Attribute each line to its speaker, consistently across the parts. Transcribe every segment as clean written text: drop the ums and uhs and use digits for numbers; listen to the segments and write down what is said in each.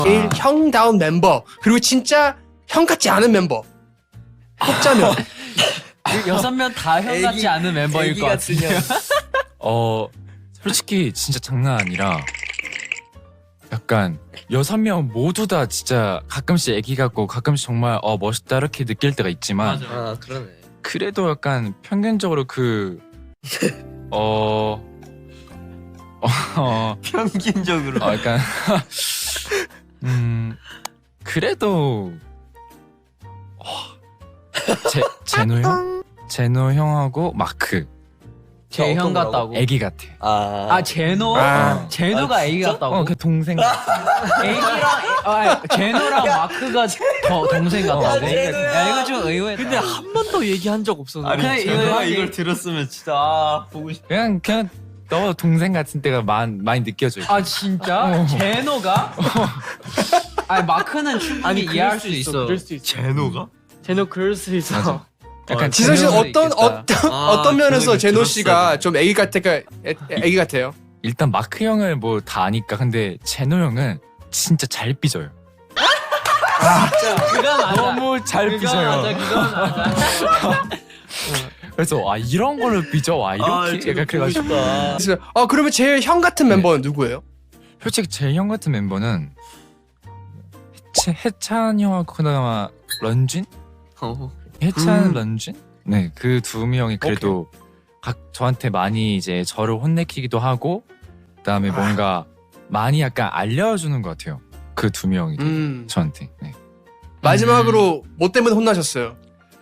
Speaker 1: 제일 형다운 멤버 그리고 진짜 형 같지 않은 멤버 뽑자면
Speaker 2: 6명 다 형 같지 않은 멤버일 것 같은데요.
Speaker 3: 솔직히 진짜 장난 아니라 약간 6명 모두 다 진짜 가끔씩 애기 같고 가끔씩 정말 멋있다 이렇게 느낄 때가 있지만
Speaker 4: 아 그러네.
Speaker 3: 그래도 약간 평균적으로
Speaker 4: 평균적으로.
Speaker 3: 약간 그래도 제노 형? 제노 형하고 마크
Speaker 2: 제 형 같다고.
Speaker 3: 애기 같아.
Speaker 2: 제노?
Speaker 1: 아.
Speaker 2: 제노가 애기 같다고?
Speaker 3: 그 동생 같아.
Speaker 2: 애기랑 제노랑 마크가 더 동생 같다고? 야 이거 좀 의외다.
Speaker 4: 근데 한 번도 얘기한 적 없었는데.
Speaker 2: 그냥
Speaker 4: 제가
Speaker 2: 이거
Speaker 4: 이걸 들었으면 진짜 보고 싶.
Speaker 3: 그냥 너 동생 같은 때가 많이 느껴져.
Speaker 2: 아 진짜? 제노가? 아니 마크는 충분히 이해할 수 있어.
Speaker 1: 그럴 수 있어.
Speaker 4: 제노가?
Speaker 5: 제노 그럴 수 있어.
Speaker 3: 맞아. 약간
Speaker 1: 지성 씨는
Speaker 3: 제노는
Speaker 1: 어떤 면에서
Speaker 4: 그거
Speaker 1: 제노
Speaker 4: 들었어,
Speaker 1: 씨가 좀 애기 애기 같아요?
Speaker 3: 일단 마크 형을 뭐 다 아니까 근데 제노 형은 진짜 잘 삐져요.
Speaker 2: 그건 맞아.
Speaker 3: 너무 잘
Speaker 2: 그건
Speaker 3: 삐져요.
Speaker 2: 맞아. 그건 맞아.
Speaker 3: 그래서 이런 걸로 삐져 이렇게 약간 그래가지고
Speaker 1: 그래서 그러면 제일 형 같은 멤버는 누구예요?
Speaker 3: 솔직히 제일 형 같은 멤버는 해찬 형하고 그나마 런쥔? 해찬 런쥔? 네, 그 두 명이 그래도 저한테 많이 이제 저를 혼내키기도 하고 그다음에 뭔가 많이 약간 알려주는 것 같아요. 그 두 명이 저한테. 네.
Speaker 1: 마지막으로 뭐 때문에 혼나셨어요?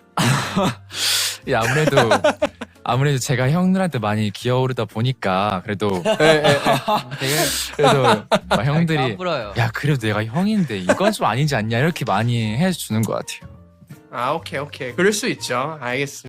Speaker 3: 예, 아무래도 제가 형들한테 많이 기어오르다 보니까 그래도 그래도 막 형들이
Speaker 2: 까불어요.
Speaker 3: 야 그래도 내가 형인데 이건 좀 아니지 않냐 이렇게 많이 해주는 것 같아요.
Speaker 1: 오케이. 그럴 수 있죠. 알겠습니다.